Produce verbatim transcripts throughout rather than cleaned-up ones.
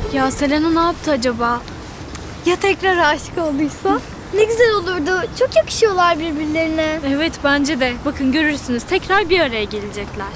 Ya Selena ne yaptı acaba? Ya tekrar aşık olduysa? Ne güzel olurdu. Çok yakışıyorlar birbirlerine. Evet bence de. Bakın görürsünüz tekrar bir araya gelecekler.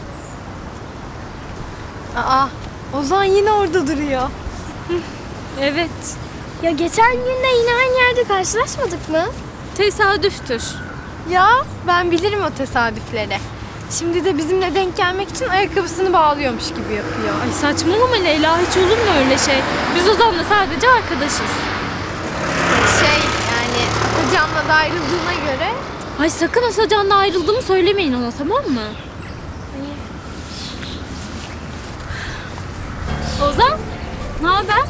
Aa, Ozan yine orada duruyor. Evet. Ya geçen gün de yine aynı yerde karşılaşmadık mı? Tesadüftür. Ya ben bilirim o tesadüfleri. Şimdi de bizimle denk gelmek için ayakkabısını bağlıyormuş gibi yapıyor. Ay saçmalama Leyla, hiç olur mu öyle şey? Biz Ozan'la sadece arkadaşız. Şey yani Atacan'la da ayrıldığına göre. Ay sakın Asacan'la ayrıldığımı söylemeyin ona, tamam mı? Ozan, ne haber?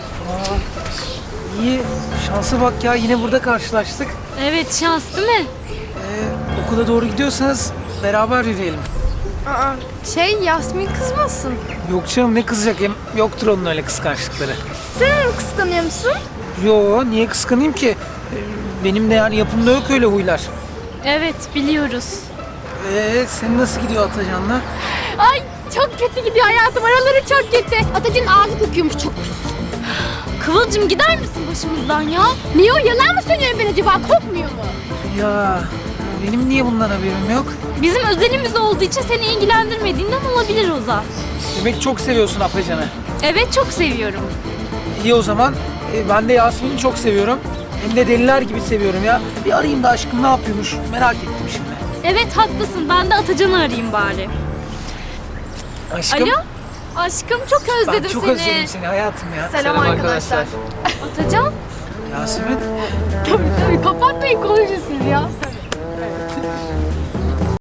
İyi, şansa bak ya, yine burada karşılaştık. Evet, şans değil mi? Ee, okula doğru gidiyorsanız beraber yürüyelim. Aa, şey Yasmin kızmasın. Yok canım, ne kızacak, hem yoktur onun öyle kıskançlıkları. Sen onu kıskanıyor musun? Yo, niye kıskanayım ki? Ee, benim de yani yapımda yok öyle huylar. Evet, biliyoruz. Ee, senin nasıl gidiyor Atacan'la? Ay çok kötü gidiyor hayatım. Araları çok kötü. Atacan'ın ağzı kokuyormuş çok. Kıvılcım gider misin başımızdan ya? Niye o yalan mı söylüyorum ben acaba? Kokmuyor mu? Ya, benim niye bundan haberim yok? Bizim özelimiz olduğu için seni ilgilendirmediğinden olabilir Ozan. Demek çok seviyorsun Atacan'ı. Evet, çok seviyorum. İyi o zaman, ee, ben de Yasmin'i çok seviyorum. Hem de deliler gibi seviyorum ya. Bir arayayım da aşkım ne yapıyormuş, merak ettim şimdi. Evet, haklısın. Ben de Atacan'ı arayayım bari. Aşkım. Alo? Aşkım çok özledim Ben çok seni. özledim seni hayatım ya. Selam, arkadaşlar. Atacan? Yasemin. Tabii tabii kapatmayın konuşun siz ya.